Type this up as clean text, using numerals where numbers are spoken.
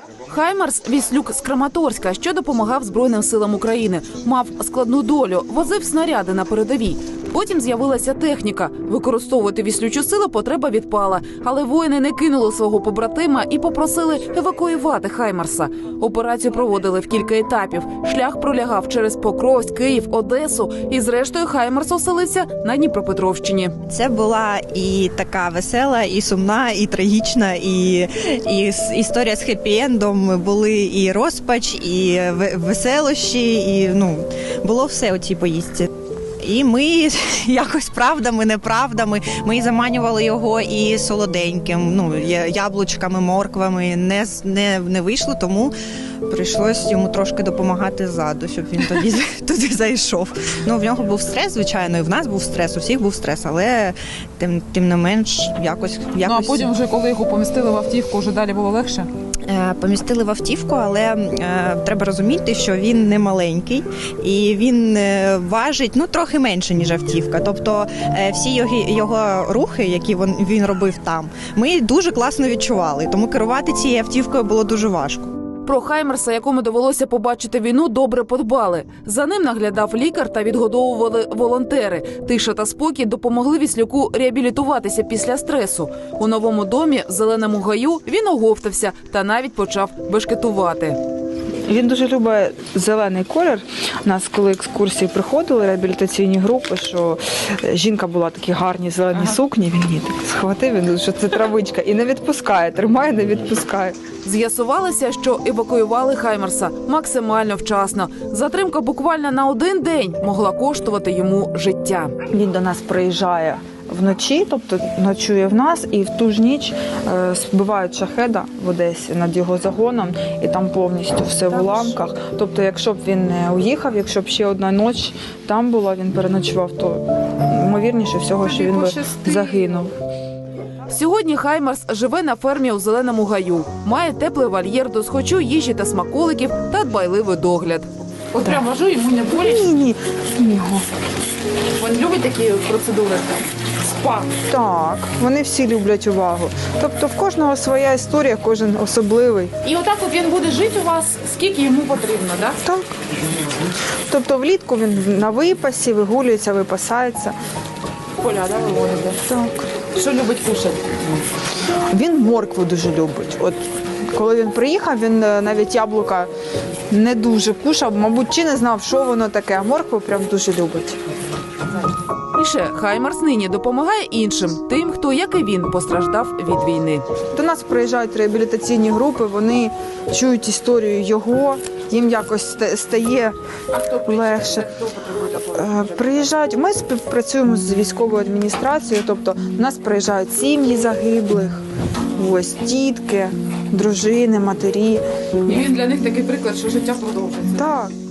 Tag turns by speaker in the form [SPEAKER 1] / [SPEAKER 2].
[SPEAKER 1] Хаймарс – віслюк з Краматорська, що допомагав Збройним силам України. Мав складну долю, возив снаряди на передовій. Потім з'явилася техніка. Використовувати віслючу силу потреба відпала. Але воїни не кинули свого побратима і попросили евакуювати Хаймарса. Операцію проводили в кілька етапів. Шлях пролягав через Покровськ, Київ, Одесу. І зрештою Хаймарс оселився на Дніпропетровщині.
[SPEAKER 2] Це була і така весела, і сумна, і трагічна, і історія з хеппі-ендом. Були і розпач, і веселощі, і було все у цій поїздці. І ми якось правдами, неправдами, ми заманювали його і солоденьким, яблучками, морквами, не вийшло, тому прийшлось йому трошки допомагати ззаду, щоб він туди зайшов. В нього був стрес, звичайно, і в нас був стрес, у всіх був стрес, але тим не менш якось...
[SPEAKER 3] А потім вже, коли його помістили в автівку, вже далі було легше?
[SPEAKER 2] Помістили в автівку, але треба розуміти, що він не маленький і він важить трохи менше, ніж автівка. Тобто всі його рухи, які він робив там, ми дуже класно відчували, тому керувати цією автівкою було дуже важко.
[SPEAKER 1] Про Хаймарса, якому довелося побачити війну, добре подбали. За ним наглядав лікар та відгодовували волонтери. Тиша та спокій допомогли віслюку реабілітуватися після стресу. У новому домі, в Зеленому гаю, він оговтався та навіть почав бешкетувати.
[SPEAKER 4] Він дуже любить зелений колір. У нас, коли екскурсії приходили, реабілітаційні групи, що жінка була такі гарні зелені сукні, він її так схватив, що це травичка, і не відпускає, тримає, не відпускає.
[SPEAKER 1] З'ясувалося, що евакуювали Хаймарса максимально вчасно. Затримка буквально на один день могла коштувати йому життя.
[SPEAKER 4] Він до нас приїжджає вночі, тобто ночує в нас, і в ту ж ніч збивають шахеда в Одесі над його загоном, і там повністю все в уламках. Тобто, якщо б він не уїхав, якщо б ще одна ніч там була, він переночував, то ймовірніше всього, що він би загинув.
[SPEAKER 1] Сьогодні Хаймарс живе на фермі у Зеленому гаю. Має теплий вольєр до схочу, їжі та смаколиків та дбайливий догляд.
[SPEAKER 3] От прям вожу, йому не боляче?
[SPEAKER 4] Ні.
[SPEAKER 3] Він любить такі процедури? Спа?
[SPEAKER 4] Так, вони всі люблять увагу. Тобто в кожного своя історія, кожен особливий.
[SPEAKER 3] І отак от він буде жити у вас, скільки йому потрібно, так?
[SPEAKER 4] Так. Тобто влітку він на випасі, вигулюється, випасається.
[SPEAKER 3] Поля, да, виводите?
[SPEAKER 4] Так.
[SPEAKER 3] Що любить кушати?
[SPEAKER 4] Він моркву дуже любить. От коли він приїхав, він навіть яблука не дуже кушав, мабуть, чи не знав, що воно таке, а моркву прям дуже любить.
[SPEAKER 1] І ще Хаймарс нині допомагає іншим, тим, хто, як і він, постраждав від війни.
[SPEAKER 4] До нас приїжджають реабілітаційні групи, вони чують історію його, їм якось стає легше. Приїжджають, ми співпрацюємо з військовою адміністрацією, тобто до нас приїжджають сім'ї загиблих, ось тітки, дружини, матері.
[SPEAKER 3] І він для них такий приклад, що життя продовжується.
[SPEAKER 4] Так.